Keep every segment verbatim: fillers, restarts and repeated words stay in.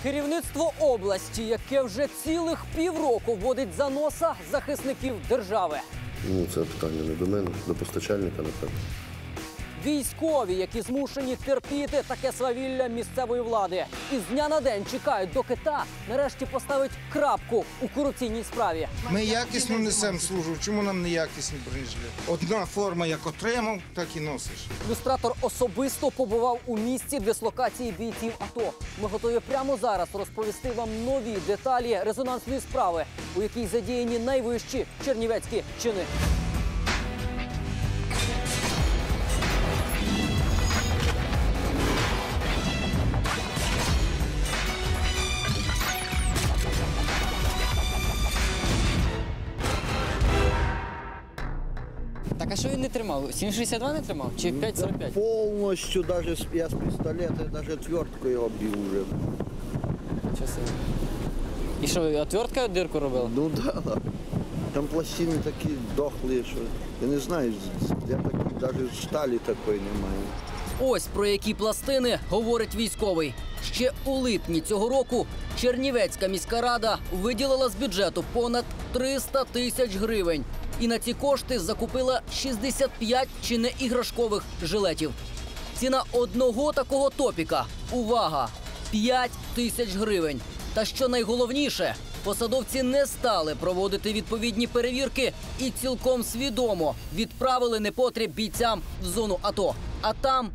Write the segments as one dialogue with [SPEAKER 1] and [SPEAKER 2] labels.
[SPEAKER 1] Керівництво області, яке вже цілих півроку водить за носа захисників держави.
[SPEAKER 2] Ну, це питання не до мене, до постачальника, напевно.
[SPEAKER 1] Військові, які змушені терпіти таке свавілля місцевої влади. І з дня на день чекають, доки та нарешті поставить крапку у корупційній справі.
[SPEAKER 3] Ми якісно несемо службу, чому нам не якісні бронежилети? Одна форма, як отримав, так і носиш.
[SPEAKER 1] Люстратор особисто побував у місці дислокації бійців АТО. Ми готові прямо зараз розповісти вам нові деталі резонансної справи, у якій задіяні найвищі чернівецькі чини.
[SPEAKER 4] Так, а що він не тримав? сім шістдесят два не тримав? Чи п'ять сорок п'ять?
[SPEAKER 5] Полностью, даже с- я с пистолета, даже отвертку его бил уже.
[SPEAKER 4] Часи. І що, отвертка дирку робила?
[SPEAKER 5] Ну да, да. Там пластины такие дохлые, что я не знаю, я таких, даже стали такой немає.
[SPEAKER 1] Ось про які пластини говорить військовий. Ще у липні цього року Чернівецька міська рада виділила з бюджету понад триста тисяч гривень. І на ці кошти закупила шістдесят п'ять чи не іграшкових жилетів. Ціна одного такого топіка – увага! п'ять тисяч гривень. Та що найголовніше, посадовці не стали проводити відповідні перевірки і цілком свідомо відправили непотріб бійцям в зону АТО. А там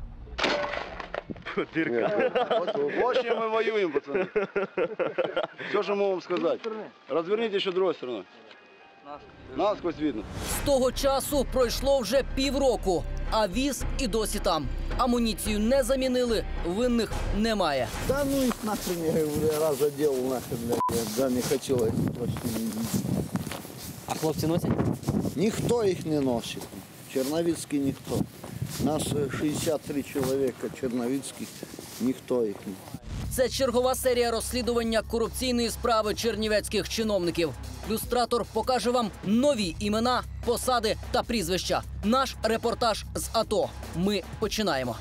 [SPEAKER 6] Вот с чем мы воюем, пацаны. Все, что могу вам сказать. Разверните еще другой стороной. Насквозь видно.
[SPEAKER 1] з того часу пройшло вже півроку, а віз і досі там. Амуніцію не замінили, винних немає.
[SPEAKER 5] Да ну их нахрен, я говорю, раз задел нахрен, блядь, да не хотел эти пластины.
[SPEAKER 4] А хлопці носять?
[SPEAKER 5] Никто их не носит, Черновицкий никто. Нас э, шестьдесят три человека черновицких, никто их не.
[SPEAKER 1] Це чергова серія розслідування корупційної справи чернівецьких чиновників. Люстратор покаже вам нові імена, посади та прізвища. Наш репортаж з АТО. Ми починаємо.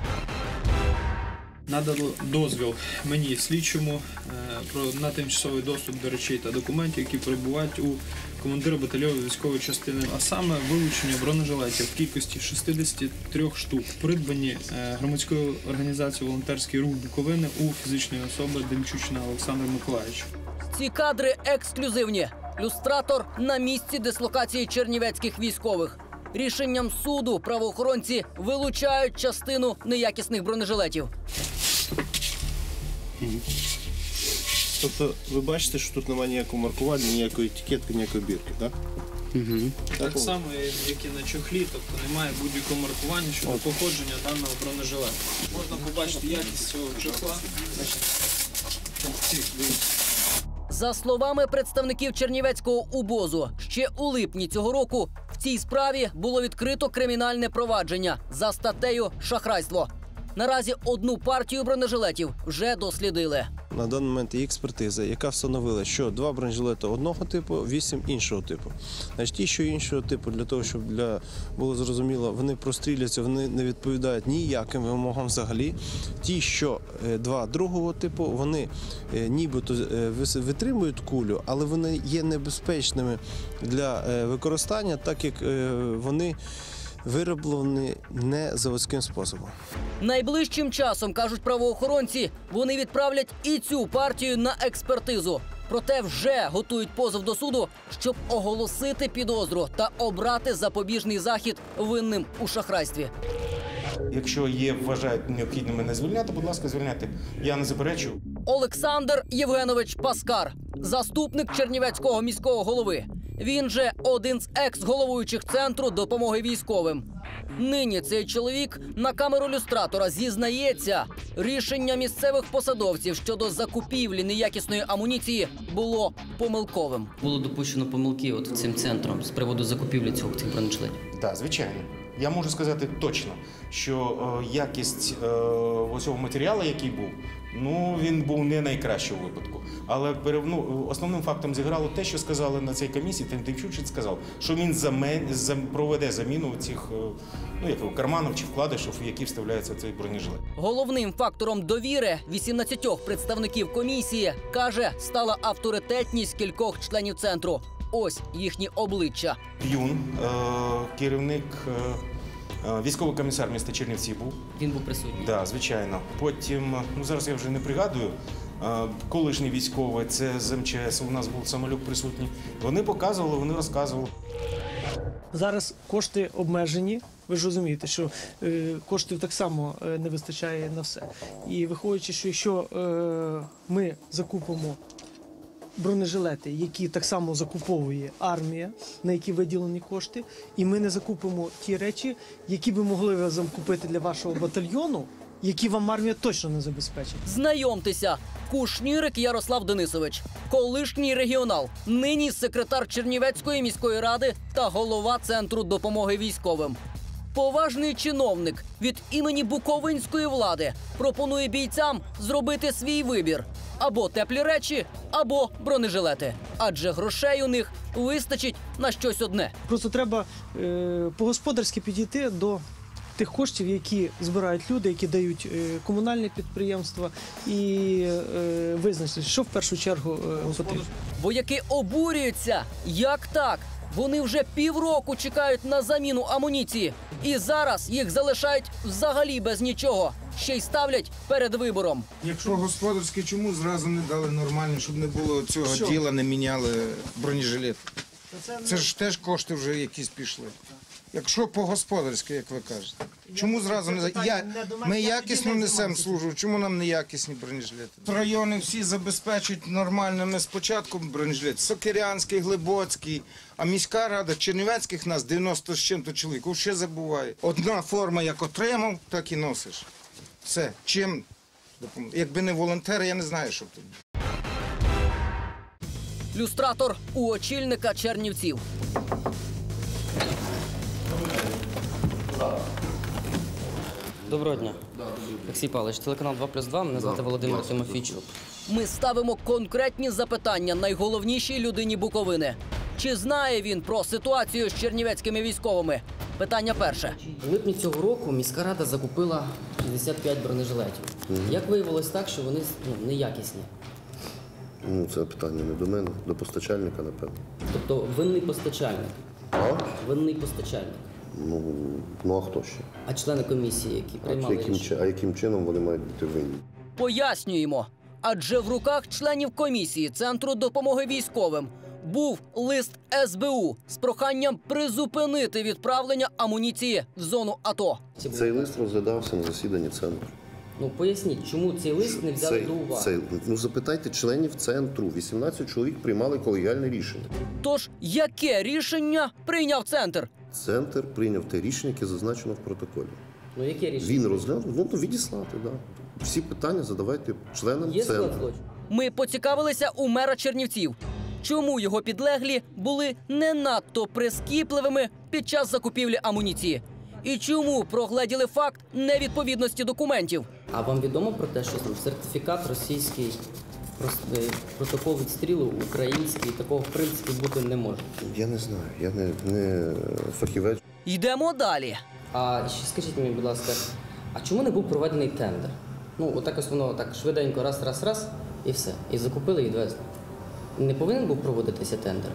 [SPEAKER 7] Надано дозвіл мені слідчому е, про на тимчасовий доступ до речей та документів, які перебувають у командира батальйону військової частини, а саме вилучення бронежилетів в кількості шістдесят три штук, придбані е, громадською організацією «Волонтерський рух Буковини» у фізичної особи Демчучина Олександра Миколаївича.
[SPEAKER 1] Ці кадри ексклюзивні. Люстратор на місці дислокації чернівецьких військових. Рішенням суду правоохоронці вилучають частину неякісних бронежилетів.
[SPEAKER 8] Тобто ви бачите, що тут немає ніякого маркування, ніякої етикетки, ніякої бірки, так?
[SPEAKER 7] Угу. Так само, як і на чохлі, тобто немає будь-якого маркування щодо походження даного бронежилета. Можна побачити якість цього чохла.
[SPEAKER 1] За словами представників Чернівецького УБОЗу, ще у липні цього року в цій справі було відкрито кримінальне провадження за статтею «Шахрайство». Наразі одну партію бронежилетів вже дослідили.
[SPEAKER 8] На даний момент є експертиза, яка встановила, що два бронежилети одного типу, вісім іншого типу. Значить, ті, що іншого типу, для того, щоб для було зрозуміло, вони простріляться, вони не відповідають ніяким вимогам взагалі. Ті, що е, два другого типу, вони е, нібито е, витримують кулю, але вони є небезпечними для е, використання, так як е, вони вироблені не заводським способом.
[SPEAKER 1] Найближчим часом, кажуть правоохоронці, вони відправлять і цю партію на експертизу. Проте вже готують позов до суду, щоб оголосити підозру та обрати запобіжний захід винним у шахрайстві.
[SPEAKER 9] Якщо є, вважають необхідним мене звільняти, будь ласка, звільняти. Я не заперечую.
[SPEAKER 1] Олександр Євгенович Паскар, заступник Чернівецького міського голови. Він же один з екс-головуючих Центру допомоги військовим. Нині цей чоловік на камеру люстратора зізнається, рішення місцевих посадовців щодо закупівлі неякісної амуніції було помилковим.
[SPEAKER 4] Було допущено помилки от цим центром з приводу закупівлі цього цих бронежилетів.
[SPEAKER 9] Так, звичайно. Я можу сказати точно, що е, якість е, цього матеріалу, який був, ну він був не найкращий у випадку. Але перев- ну, основним фактом зіграло те, що сказали на цій комісії. Тимчучич сказав, що він замен, зам, проведе заміну цих е, ну, як, карманів чи вкладишів, в які вставляється цей бронежилет.
[SPEAKER 1] Головним фактором довіри вісімнадцятьох представників комісії, каже, стала авторитетність кількох членів центру. Ось їхні обличчя.
[SPEAKER 9] Юн, е, керівник, е, е, військовий комісар міста Чернівці був.
[SPEAKER 4] Він був присутній.
[SPEAKER 9] Так, да, звичайно. Потім, ну зараз я вже не пригадую, е, колишній військовий, це з ем че ес, у нас був Самолюк присутній. Вони показували, вони розказували.
[SPEAKER 10] Зараз кошти обмежені. Ви ж розумієте, що е, коштів так само е, не вистачає на все. І виходячи, що якщо е, ми закупимо бронежилети, які так само закуповує армія, на які виділені кошти, і ми не закупимо ті речі, які би могли ви закупити для вашого батальйону, які вам армія точно не забезпечить.
[SPEAKER 1] Знайомтеся, Кушнірик Ярослав Денисович, колишній регіонал, нині секретар Чернівецької міської ради та голова Центру допомоги військовим. Поважний чиновник від імені буковинської влади пропонує бійцям зробити свій вибір – або теплі речі, або бронежилети. Адже грошей у них вистачить на щось одне.
[SPEAKER 10] Просто треба е, по-господарськи підійти до тих коштів, які збирають люди, які дають е, комунальні підприємства, і е, визначити, що в першу чергу е, потрібно.
[SPEAKER 1] Вояки обурюються. Як так? Вони вже півроку чекають на заміну амуніції. І зараз їх залишають взагалі без нічого. Ще й ставлять перед вибором.
[SPEAKER 3] Якщо господарське, чому зразу не дали нормально, щоб не було цього
[SPEAKER 10] Що?
[SPEAKER 3] діла, не міняли бронежилет? Це ж теж кошти вже якісь пішли. Якщо по-господарськи, як ви кажете. Чому зразу не... Я... Ми якісно несемо службу, чому нам не якісні бронежилети? Райони всі забезпечують нормальними спочатку бронежилет. Сокирянський, Глибоцький, а міська рада Чернівецьких нас дев'яносто з чим-то чоловік. Ще забуває. Одна форма, як отримав, так і носиш. Все. Чим допомогти? Якби не волонтери, я не знаю, що б тут.
[SPEAKER 1] Люстратор у очільника Чернівців.
[SPEAKER 4] Доброго дня. Олексій Павлович, телеканал два плюс два, мене звати Володимир Тимофійчук.
[SPEAKER 1] Ми ставимо конкретні запитання найголовнішій людині Буковини. Чи знає він про ситуацію з чернівецькими військовими? Питання перше.
[SPEAKER 4] У липні цього року міська рада закупила шістдесят п'ять бронежилетів. Як виявилось так, що вони ну, неякісні?
[SPEAKER 2] Ну, це питання не до мене, до постачальника, напевно.
[SPEAKER 4] Тобто винний постачальник.
[SPEAKER 2] А?
[SPEAKER 4] Винний постачальник.
[SPEAKER 2] Ну, ну а хто ще?
[SPEAKER 4] А члени комісії, які
[SPEAKER 2] А
[SPEAKER 4] приймали
[SPEAKER 2] яким,
[SPEAKER 4] рішення?
[SPEAKER 2] чи- а яким чином вони мають бути винні?
[SPEAKER 1] Пояснюємо. Адже в руках членів комісії Центру допомоги військовим був лист ес бе у з проханням призупинити відправлення амуніції в зону АТО.
[SPEAKER 2] Цей лист розглядався на засіданні центру.
[SPEAKER 4] Ну поясніть, чому цей лист не взяли
[SPEAKER 2] Цей,
[SPEAKER 4] до уваги?
[SPEAKER 2] цей, ну запитайте членів центру. вісімнадцять чоловік приймали колегіальне рішення.
[SPEAKER 1] Тож, яке рішення прийняв центр?
[SPEAKER 2] Центр прийняв те рішення, яке зазначено в протоколі.
[SPEAKER 4] Ну яке рішення?
[SPEAKER 2] Він розглянув, ну то відіслати, да. Всі питання задавайте членам
[SPEAKER 4] Є склад
[SPEAKER 2] центру.
[SPEAKER 4] злочину?
[SPEAKER 1] Ми поцікавилися у мера Чернівців. Чому його підлеглі були не надто прискіпливими під час закупівлі амуніції? І чому прогледіли факт невідповідності документів?
[SPEAKER 4] А вам відомо про те, що там сертифікат російський, прос- е, протокол відстрілу український, такого в принципі бути не може?
[SPEAKER 2] Я не знаю, я не, не фахівець.
[SPEAKER 1] Йдемо далі.
[SPEAKER 4] А ще скажіть мені, будь ласка, а чому не був проведений тендер? Ну, отак ось воно так швиденько, раз, раз, раз, і все. І закупили, і відвезли. Не повинен був проводитися тендер?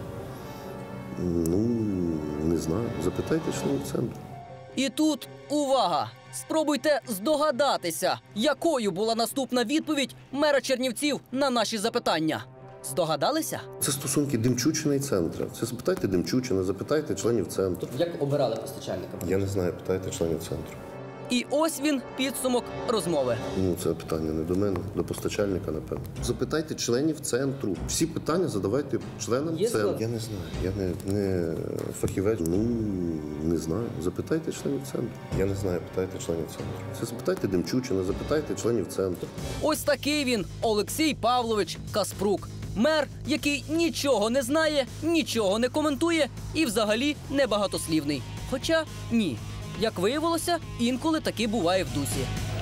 [SPEAKER 2] Ну, не знаю. Запитайте членів центру.
[SPEAKER 1] І тут увага! Спробуйте здогадатися, якою була наступна відповідь мера Чернівців на наші запитання. Здогадалися?
[SPEAKER 2] Це стосунки Демчучина і центру. Це запитайте Демчучина, запитайте членів центру.
[SPEAKER 4] Тобто як обирали постачальника?
[SPEAKER 2] Я не знаю, питайте членів центру.
[SPEAKER 1] І ось він підсумок розмови.
[SPEAKER 2] Ну, це питання не до мене, до постачальника, напевно. Запитайте членів центру. Всі питання задавайте членам
[SPEAKER 4] Є
[SPEAKER 2] центру.
[SPEAKER 4] склад?
[SPEAKER 2] Я не знаю, я не, не фахівець. Ну, не знаю. Запитайте членів центру. Я не знаю, питайте членів центру. Це запитайте Демчучина, запитайте членів центру.
[SPEAKER 1] Ось такий він, Олексій Павлович Каспрук. Мер, який нічого не знає, нічого не коментує і взагалі небагатослівний. Хоча ні. Як виявилося, інколи таки буває в дусі.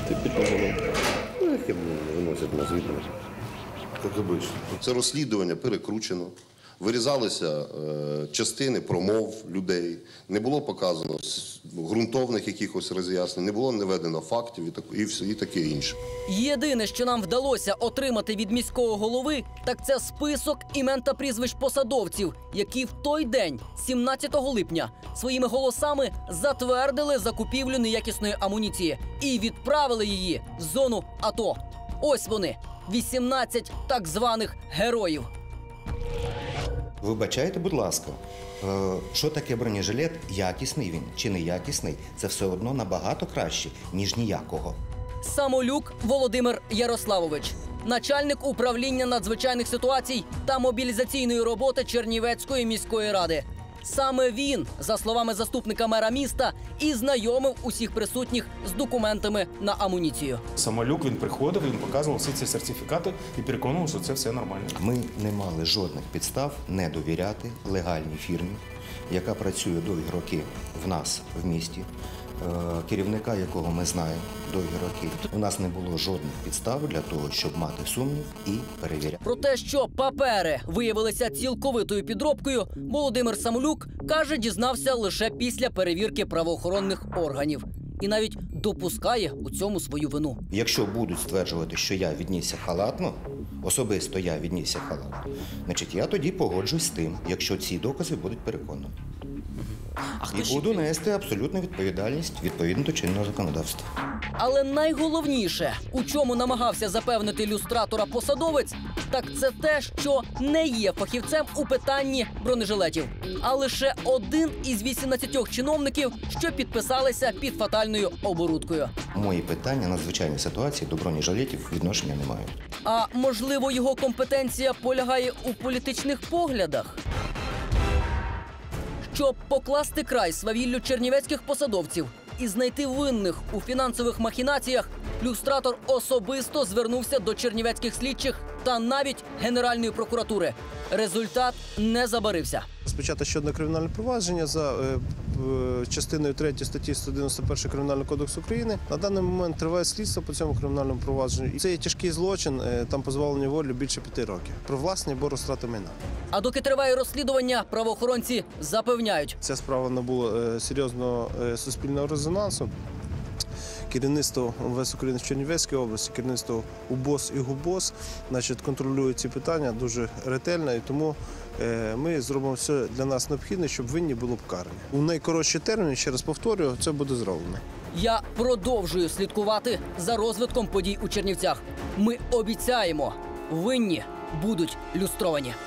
[SPEAKER 2] Ну, яке виносять на звідно. Як обично. Це розслідування перекручено. Вирізалися е, частини промов людей, не було показано ґрунтовних якихось роз'яснень, не було наведено фактів і, так, і, все, і таке інше.
[SPEAKER 1] Єдине, що нам вдалося отримати від міського голови, так це список імен та прізвищ посадовців, які в той день, сімнадцятого липня, своїми голосами затвердили закупівлю неякісної амуніції і відправили її в зону АТО. Ось вони, вісімнадцять так званих героїв.
[SPEAKER 11] Вибачайте, будь ласка, е, що таке бронежилет, якісний він чи неякісний, це все одно набагато краще, ніж ніякого.
[SPEAKER 1] Самолюк Володимир Ярославович, начальник управління надзвичайних ситуацій та мобілізаційної роботи Чернівецької міської ради. Саме він, за словами заступника мера міста, і знайомив усіх присутніх з документами на амуніцію.
[SPEAKER 9] Самолюк, він приходив, він показував всі ці сертифікати і переконував, що це все нормально.
[SPEAKER 11] Ми не мали жодних підстав не довіряти легальній фірмі, яка працює довгі роки в нас в місті, керівника якого ми знаємо довгі роки. У нас не було жодних підстав для того, щоб мати сумнів і перевіряти.
[SPEAKER 1] Про те, що папери виявилися цілковитою підробкою, Володимир Самолюк, каже, дізнався лише після перевірки правоохоронних органів. І навіть допускає у цьому свою вину.
[SPEAKER 11] Якщо будуть стверджувати, що я віднісся халатно, особисто я віднісся халатно, значить я тоді погоджусь з тим, якщо ці докази будуть переконані. І буду нести абсолютну відповідальність відповідно до чинного законодавства.
[SPEAKER 1] Але найголовніше, у чому намагався запевнити люстратора посадовець, так це те, що не є фахівцем у питанні бронежилетів, а лише один із вісімнадцятьох чиновників, що підписалися під фатальною оборудкою.
[SPEAKER 11] Мої питання надзвичайної ситуації до бронежилетів відношення не мають.
[SPEAKER 1] А можливо, його компетенція полягає у політичних поглядах? Щоб покласти край свавіллю чернівецьких посадовців і знайти винних у фінансових махінаціях, люстратор особисто звернувся до чернівецьких слідчих та навіть Генеральної прокуратури. Результат не забарився.
[SPEAKER 8] Спочатку ще одне кримінальне провадження за е, е, частиною третьої статті сто дев'яносто першої Кримінального кодексу України. На даний момент триває слідство по цьому кримінальному провадженню. І це є тяжкий злочин, е, там позбавлення волі більше п'яти років. Про власне або розтрати майна.
[SPEAKER 1] А доки триває розслідування, правоохоронці запевняють.
[SPEAKER 8] Ця справа набула е, серйозного е, суспільного резонансу. Керівництво МВС України в Чернівецькій області, керівництво УБОС і ГУБОС, значить, контролюють ці питання дуже ретельно, і тому е, ми зробимо все для нас необхідне, щоб винні були покарані. У найкоротші терміни, ще раз повторюю, це буде зроблено.
[SPEAKER 1] Я продовжую слідкувати за розвитком подій у Чернівцях. Ми обіцяємо, винні будуть люстровані.